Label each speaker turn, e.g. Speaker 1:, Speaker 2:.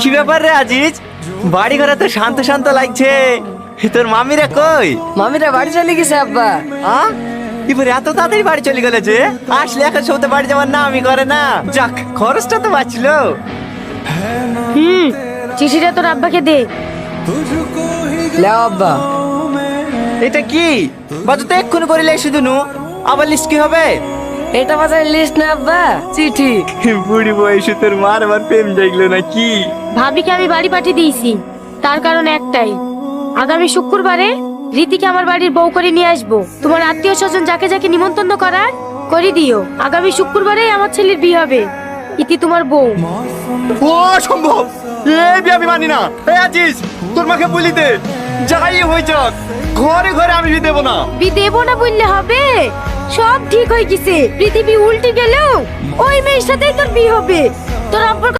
Speaker 1: কি ব্যাপার রে আজিজ, বাড়ি ঘরে তো শান্ত শান্ত লাগছে, তোর মামিরা কই?
Speaker 2: মামিরা বাড়ি চলে গেছে আব্বা।
Speaker 1: এবার এত তাড়াতাড়ি বাড়ি চলে গেলে যে, আসলে এখন সৌতে বাড়ি যাওয়ার না আমি করে না। যাক, খরচটা তো বাঁচলো।
Speaker 3: চিঠিটা তোর আব্বাকে দে।
Speaker 2: লেও আব্বা।
Speaker 1: এটা কি বাজু তো এক্ষুনি করিলে শুধু নু, আবার লিস্ট কি হবে?
Speaker 2: এটা বাজার লিস্ট না আব্বা, চিঠি।
Speaker 1: বুড়ি বয়সে তোর মার আবার প্রেম জাগলো নাকি?
Speaker 3: ভাবিকে আমি বাড়ি পাঠিয়ে দিয়েছি, তার কারণ একটাই, আগামী শুক্রবারে রীতিকে আমার বাড়ির বউ করে নিয়ে আসবো। তোমার আত্মীয় স্বজন যাকে যাকে নিমন্ত্রণ করার করে দিও। আগামী শুক্রবারে আমার ছেলের বিয়ে হবে, ইতি তোমার বউ।
Speaker 1: ও সম্ভব, এই বিয়ে আমি মানি না। এই আজিজ, তোর মাকে বলি দে, যাই হয়ে যাক, ঘরে ঘরে আমি বিয়ে দেবো না।
Speaker 3: বিয়ে দেবো না বললে হবে? সব ঠিক হয়ে গেছে, পৃথিবী উল্টে গেলেও ওই মেয়ের সাথেই তোর বিয়ে হবে। তোর আব্বার